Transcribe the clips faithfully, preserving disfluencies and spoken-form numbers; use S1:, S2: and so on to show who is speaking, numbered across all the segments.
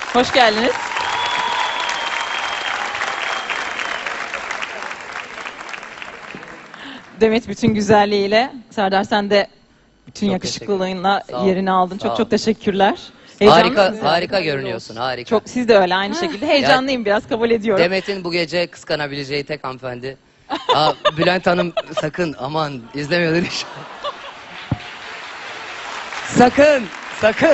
S1: Hoş geldiniz. Demet bütün güzelliğiyle, Serdar sen de bütün
S2: Çok
S1: yakışıklılığınla
S2: teşekkür ederim. Sağ ol,
S1: yerini aldın.
S2: sağ
S1: Çok
S2: ol.
S1: çok teşekkürler. Heyecanlı
S2: Harika,
S1: mısın?
S2: harika görünüyorsun, harika.
S1: Çok, siz de öyle aynı şekilde. Heyecanlıyım biraz, kabul ediyorum.
S2: Demet'in bu gece kıskanabileceği tek hanımefendi. Aa, Bülent Hanım sakın, aman izlemiyordur inşallah. Sakın, sakın.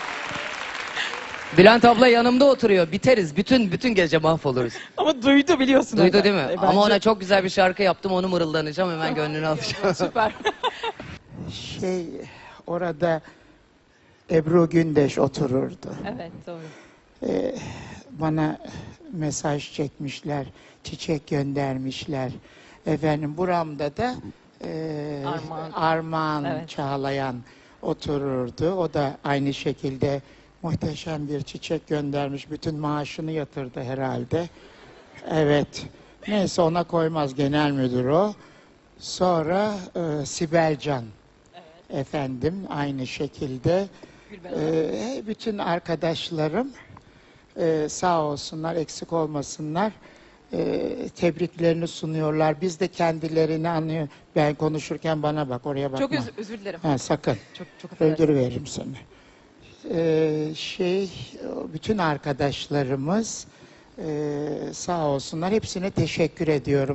S2: Bülent abla yanımda oturuyor. Biteriz. Bütün bütün gece mahvoluruz.
S1: Ama duydu biliyorsun.
S2: Duydu
S1: orada.
S2: değil mi?
S1: E,
S2: Ama
S1: bence-
S2: ona çok güzel bir şarkı yaptım. Onu mırıldanacağım. Hemen gönlünü alacağım.
S1: Süper.
S3: Şey, orada Ebru Gündeş otururdu.
S1: Evet doğru.
S3: Ee, bana mesaj çekmişler, çiçek göndermişler. Efendim buramda da e,
S1: Armağan.
S3: Armağan
S1: Evet.
S3: Çağlayan otururdu. O da aynı şekilde muhteşem bir çiçek göndermiş. Bütün maaşını yatırdı herhalde. Evet. Neyse ona koymaz, genel müdür o. Sonra e, Sibel Can. Efendim aynı şekilde. Ee, bütün arkadaşlarım e, sağ olsunlar, eksik olmasınlar. E, tebriklerini sunuyorlar. Biz de kendilerini anlıyor. Ben konuşurken bana bak, oraya bakma.
S1: Çok öz- özür dilerim.
S3: Ha, sakın.
S1: Çok çok affedersin.
S3: Öldürüveririm seni. Ee, şey, bütün arkadaşlarımız e, sağ olsunlar. Hepsine teşekkür ediyorum.